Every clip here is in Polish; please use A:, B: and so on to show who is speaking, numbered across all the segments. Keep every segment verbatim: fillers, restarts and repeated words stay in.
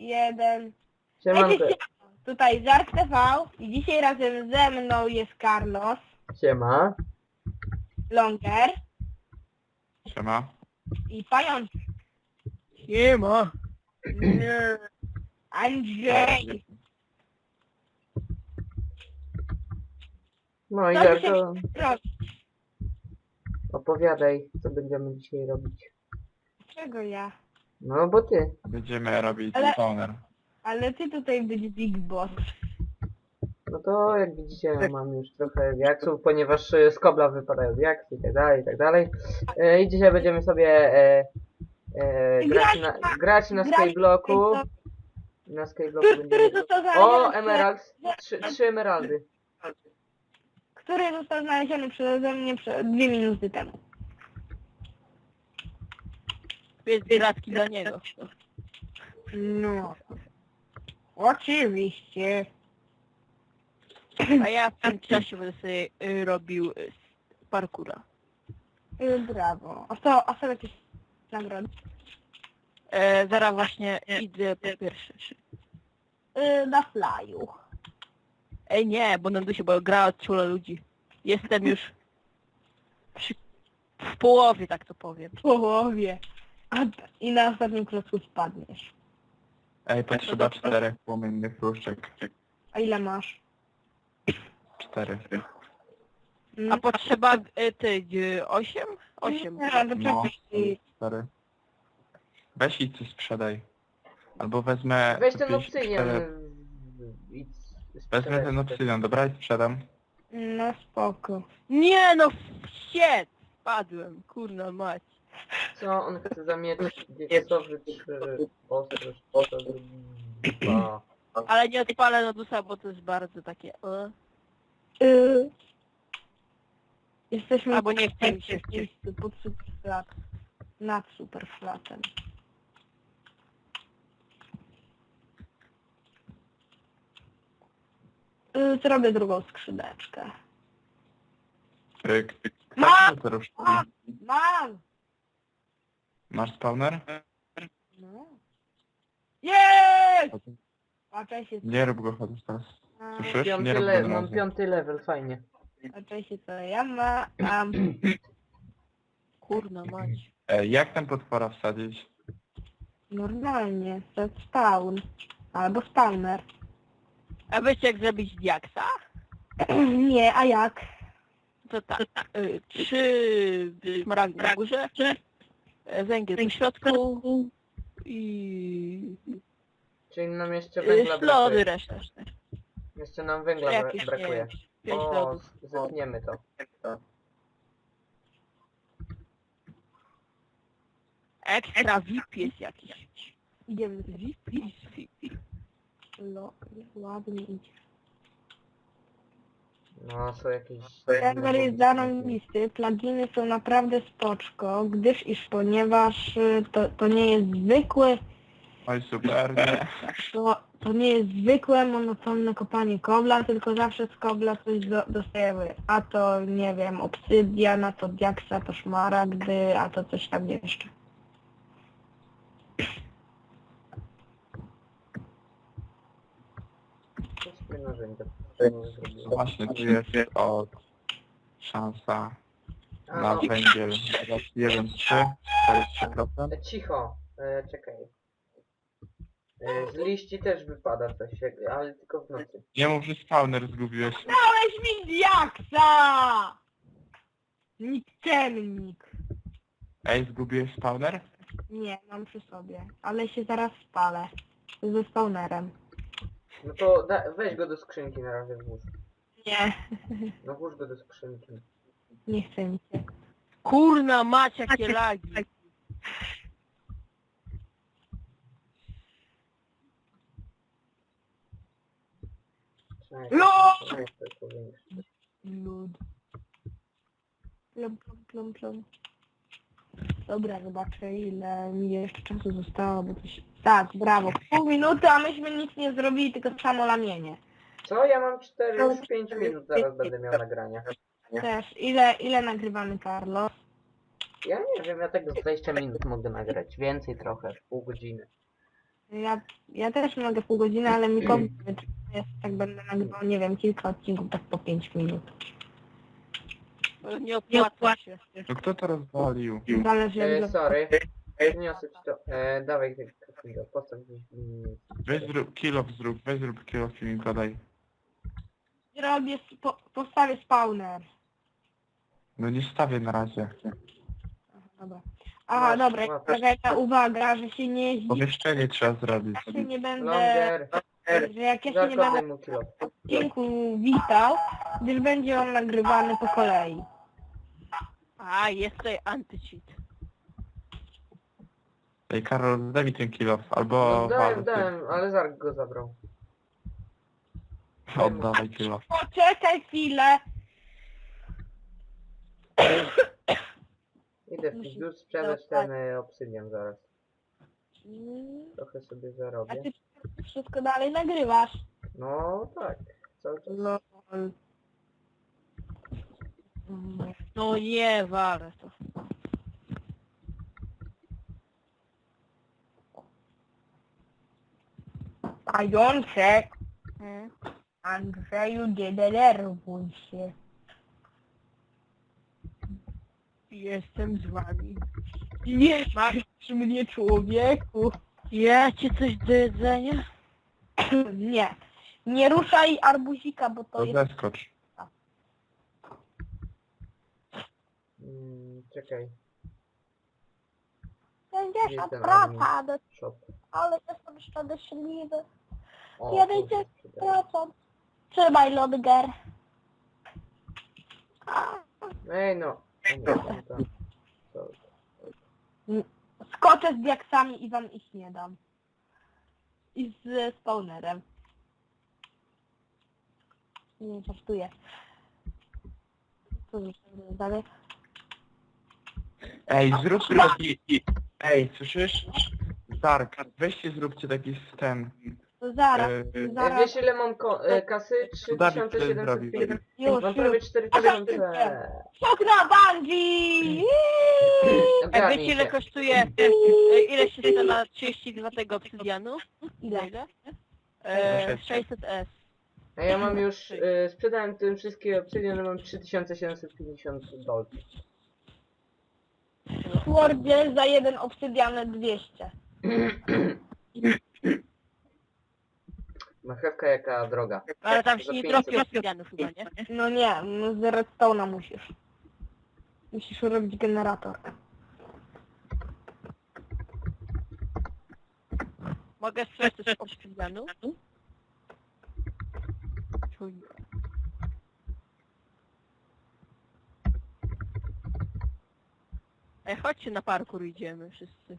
A: jeden.
B: Siemanko.
A: Tutaj Żart T V i dzisiaj razem ze mną jest Carlos,
B: Siema.
A: Longer
C: Siema.
A: i Pająk.
D: Siema.
A: Nie. Andrzej.
B: No i
A: Co
B: jak
A: dzisiaj
B: to
A: robić?
B: opowiadaj, co będziemy dzisiaj robić.
A: Czego ja?
B: No bo ty.
C: Będziemy robić
A: Ale-
C: spawner.
A: Ale ty tutaj być Big Boss.
B: No to jak widzicie mam już trochę diaksów, ponieważ e, z kobla wypadają diaksy i tak dalej, i tak dalej. E, I dzisiaj będziemy sobie e, e, grać na, grać na
A: grać-
B: Skyblocku. Na Skyblocku
A: Który
B: będziemy...
A: został
B: O,
A: znaleziony,
B: emerald! Trzy, trzy emeraldy.
A: który został znaleziony przeze mnie prze- dwie minuty temu.
D: Jest gratki dla niego.
A: No. Oczywiście.
D: A ja w tym czasie będę sobie y, robił y, parkura.
A: Y, Brawo. A co, a co jakieś nagrody?
D: E, zaraz właśnie idę po pierwsze.
A: Y, Na flyu.
D: Ej nie, bo na się, bo gra od ciula ludzi. Jestem już przy, w połowie, tak to powiem.
A: W połowie. A, I na ostatnim klocku spadniesz.
C: Ej, potrzeba czterech płomiennych różdżek.
A: A ile masz?
C: Cztery.
A: Mm.
D: A potrzeba y, ty, y, osiem? Osiem.
A: Nie, to
C: No,
A: czekaj.
C: cztery. Weź i coś sprzedaj. Albo wezmę...
B: Weź ten
C: jakieś
B: obsydian.
C: cztery-
B: e, i s-
C: Wezmę ten obsydian, dobra? I sprzedam.
A: No spoko.
D: Nie no, shit! Spadłem, kurna mać.
B: Co on chce za miecz diaksowy czy ostrość? Co dwa.
D: Ale nie odpalę Nodusa, bo to jest bardzo takie... E.
A: Y, Jesteśmy
D: Albo nie chce mi się
A: w miejscu pod superflat. Nad superflatem. Y, Zrobię drugą skrzydeczkę.
C: Pyk.
A: Ma!
C: Tak, to różdżki.
A: Mam!
C: Masz spawner?
A: No. Jest! Patrzaj się,
C: Nie rób go chociaż teraz.
A: co,
C: Słyszysz? Nie
B: Piąty
C: rób go
B: level,
C: na
B: mam
C: razie.
B: piąty level, fajnie.
A: patrzaj się co ja mam.
D: Kurna mać.
C: Ej, jak ten potwora wsadzić?
A: Normalnie, to spawn. Albo spawner.
D: A wiecie jak zrobić diaksa?
A: Nie, a jak?
D: To tak. Y, trzy szmaragdy na górze, e, węgiel w środku i
B: Czyli nam jeszcze
D: y,
B: węgla
D: ślody
B: brakuje.
D: resztę.
B: Jeszcze nam węgla bra
D: Jakieś, nie
B: brakuje.
D: wiem, pięć
B: O,
D: ślodów.
B: zetniemy to.
D: Ekstra V I P jest jakiś.
A: Idziemy z
D: V I P, V I P.
A: Lo, ładnie idzie.
B: No, są jakieś...
A: Serwer jest zarąbisty, pluginy są naprawdę spoczko, gdyż iż ponieważ y, to, to nie jest zwykły,
C: Oj, super, nie.
A: to, to nie jest zwykłe monotonne kopanie kobla, tylko zawsze z kobla coś do, dostajemy. A to nie wiem, obsydian, a to diaksa, to szmaragdy, a to coś tam jeszcze.
B: Coś narzędzia.
C: Właśnie tu jest od szansa
B: A,
C: na
B: no,
C: węgiel jeden trzy, czterdzieści trzy procent.
B: e, cicho, e, czekaj. E, z liści też wypada coś, jak- ale tylko w nocy.
C: Nie mów, że spawner zgubiłeś.
A: Dałeś mi diaksa! Nikczemnik.
C: Ej, zgubiłeś spawner?
A: Nie, mam przy sobie, ale się zaraz spalę. Ze spawnerem.
B: No to da, weź go do skrzynki na razie włóż.
A: Nie,
B: No włóż go do skrzynki.
A: nie chcę mi się.
D: Kurna mać jakie lagi.
B: Czekaj,
A: No!
B: czekaj, to powiększyć.
A: Lud. Plum, plum, plum, plum. Dobra, zobaczę ile mi jeszcze czasu zostało, bo coś... Tak, brawo. Pół minuty, a myśmy nic nie zrobili, tylko samo lamienie.
B: Co? Ja mam cztery, już pięć minut zaraz będę miał nagrania.
A: Też. Ile, ile nagrywamy, Carlos?
B: Ja nie wiem, ja tego z dwadzieścia minut mogę nagrać. Więcej trochę, pół godziny.
A: Ja, ja też mogę pół godziny, ale mi to jest, tak będę nagrywał, nie wiem, kilka odcinków tak po pięć minut.
D: Bo nie opłaca się.
C: No kto to rozwalił?
A: Zależy jak
B: E,
A: do...
B: sorry. Przyniosę ci to. E, dawaj ty, Kapido, postaw gdzieś w linii.
C: Weź zrób kill-off zrób, weź zrób kill-off i mi podaj.
A: Robię, po, postawię spawner.
C: No nie stawię na razie.
A: Aha, dobra. Aha,
B: Masz,
A: dobra,
B: masz.
A: taka uwaga, że się nie jeździ,
C: Pomieszczenie trzeba zrobić.
A: ja się nie będę,
B: Longer.
A: że jak ja się nie
B: Zakopuj
A: będę
B: mu kilo.
A: w odcinku witał, gdyż będzie on nagrywany po kolei.
D: A, jest tutaj anti-cheat.
C: Ej Karol, daj mi ten kill-off, albo
B: No dałem,
C: Wal,
B: dałem, ale Zark go zabrał.
C: ty. Oddawaj kill-off.
A: Poczekaj chwilę.
B: Idę w pizdu sprzedać ten e, obsydian zaraz. Trochę sobie
A: A
B: zarobię.
A: ty wszystko dalej nagrywasz.
B: No tak, cały czas.
A: Lol.
D: No nie, walę to.
A: Pajączek,
D: Hmm?
A: Andrzeju, nie denerwuj się.
D: Jestem z wami.
A: Nie masz mnie, człowieku.
D: Ja ci coś do jedzenia?
A: Nie. Nie ruszaj arbuzika, bo to
C: To
A: jest...
C: zeskocz.
B: Mm, czekaj,
A: pięćdziesiąt
B: ten
A: procent,
B: shop.
A: ale jestem szczęśliwy.
B: O,
A: Jeden
B: kurde,
A: dziesięć
B: sprzedałem.
A: procent. Trzymaj, Lodger.
B: Ej no. O nie, tam, tam. Co?
A: Skoczę z diaksami i wam ich nie dam. I z spawnerem. Nie żartuję. Co zrobię dalej?
C: Ej, zrób taki... Ej, słyszysz? Dark, weźcie zróbcie taki ten...
A: To zaraz,
C: e,
B: E,
A: zaraz.
B: wiesz ile mam ko e, kasy? trzy tysiące siedemset pięćdziesiąt.
A: Już,
B: Mam prawie
A: już.
B: cztery tysiące.
A: Skok na bungee!
D: Ej,
B: Ogarnij
D: wiecie ile
B: się.
D: kosztuje, e, ile się chce na trzydzieści dwa tego obsydianu?
A: Ile?
D: Ile? E,
C: sześćset.
D: sześćset S.
B: A ja mam już, e, sprzedałem tym wszystkie obsydiany, mam trzy tysiące siedemset pięćdziesiąt dolców.
A: W Wordzie za jeden obsydian dwieście.
B: Marchewka jaka droga.
D: Ale tam
B: Za
D: się nie
B: pięćset.
D: tropi obsydianu chyba, nie?
A: No nie, no z redstone'a musisz. Musisz robić generator.
D: Mogę sprzedać coś obsydianu? Chuj. Ej, chodźcie na parkour idziemy wszyscy.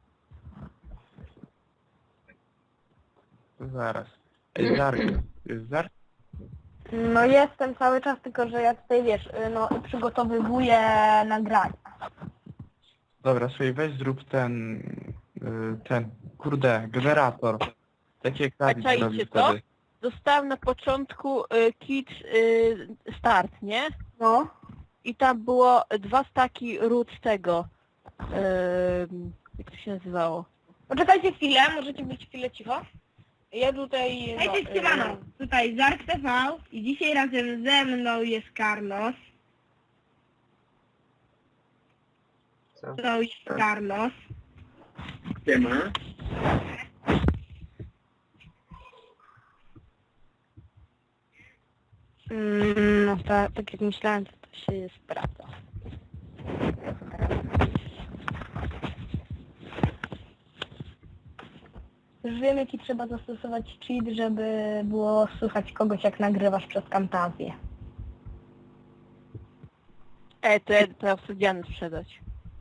C: Zaraz. Ej, Dark, jest Dark?
A: No jestem cały czas, tylko że ja tutaj wiesz, y, no przygotowywuję nagrania.
C: Dobra, słuchaj, weź zrób ten... y, ten... Kurde, generator. Taki jak Dawid
D: czaicie
C: zrobił
D: to?
C: wtedy.
D: Dostałem na początku y, kit y, start, nie?
A: No.
D: I tam było dwa staki ród tego. Y, jak to się nazywało?
A: Poczekajcie chwilę, możecie być chwilę cicho. Ja tutaj...
E: Hej, cześć, siemano. Tutaj Zark T V i dzisiaj razem ze mną jest Carlos.
B: Co?
E: To jest Carlos.
A: Mm, no tak, tak jak myślałem, to, to się sprawdza. Już wiem, jaki trzeba zastosować cheat, żeby było słychać kogoś, jak nagrywasz przez Camtasię.
D: Ej, to ja te obsydiany sprzedać.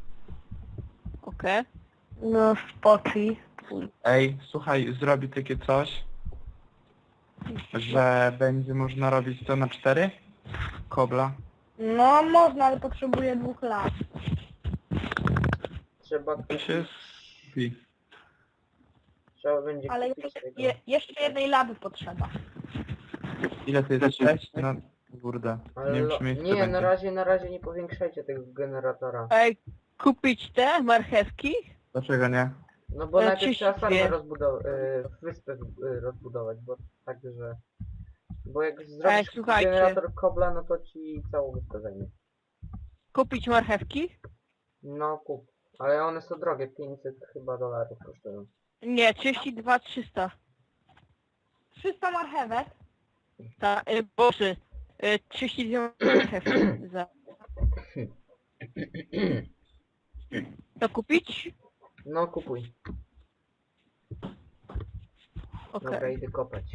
D: Okej.
A: No spokój.
C: Ej, słuchaj, zrobi takie coś, że będzie można robić to na cztery? Kobla.
A: No można, ale potrzebuję dwóch lat.
B: Trzeba
C: To
B: kupić,
C: się skupi.
B: trzeba będzie
A: Ale
B: kupić
A: jeszcze,
B: tego.
A: je, jeszcze jednej lawy potrzeba.
C: Ile to jest? sześć? No, kurde.
B: Ale
C: Nie wiem,
B: lo-
C: czy miejsce
B: nie,
C: będzie.
B: na razie, na razie nie powiększajcie tego generatora.
D: Ej, kupić te marchewki?
C: Dlaczego nie?
B: No bo
D: E,
B: najpierw trzeba
D: trzydzieści dwie.
B: farmę rozbudować, wyspę y, rozbudować, bo tak, że... Bo jak
D: Ej,
B: zrobisz
D: słuchajcie.
B: generator kobla, no to ci całą wyspę zajmie.
D: Kupić marchewki?
B: No kup. Ale one są drogie, pięćset chyba dolarów kosztują.
D: Nie, trzydzieści dwa trzysta.
A: trzysta marchewek.
D: Ta, y, boże, y, trzydzieści dwie marchewki za... To kupić?
B: No kupuj.
D: Okej.
B: Dobra, idę kopać.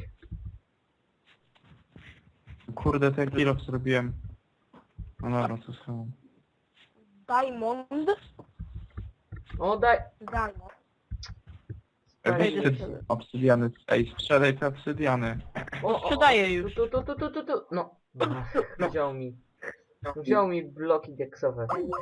C: Kurde, ten kilof zrobiłem. No dobra, to są...
A: Diamond.
B: O, daj!
A: Diamond.
B: Daj.
D: Wejdę
C: Weź te
D: sobie.
C: obsydiany. Ej, sprzedaj te obsydiany.
B: O, o,
D: Sprzedaję już.
B: Tu, tu, tu, tu, tu, tu. No. Ach, wziął mi. Wziął mi bloki dieksowe.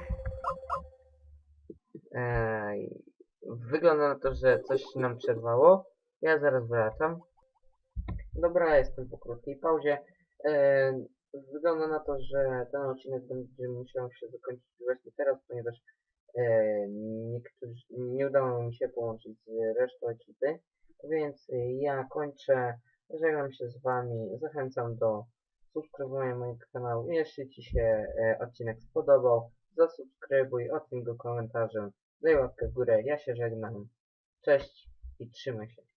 B: Ej, wygląda na to, że coś się nam przerwało. Ja zaraz wracam. Dobra, jestem po krótkiej pauzie. E, wygląda na to, że ten odcinek będzie musiał się zakończyć właśnie teraz, ponieważ e, niektórzy, nie udało mi się połączyć z resztą ekipy. Więc ja kończę. Żegnam się z wami. Zachęcam do subskrybowania mojego kanału. Jeśli ci się e, odcinek spodobał, zasubskrybuj, oceń go komentarzem, daj łapkę w górę. Ja się żegnam. Cześć i trzymaj się.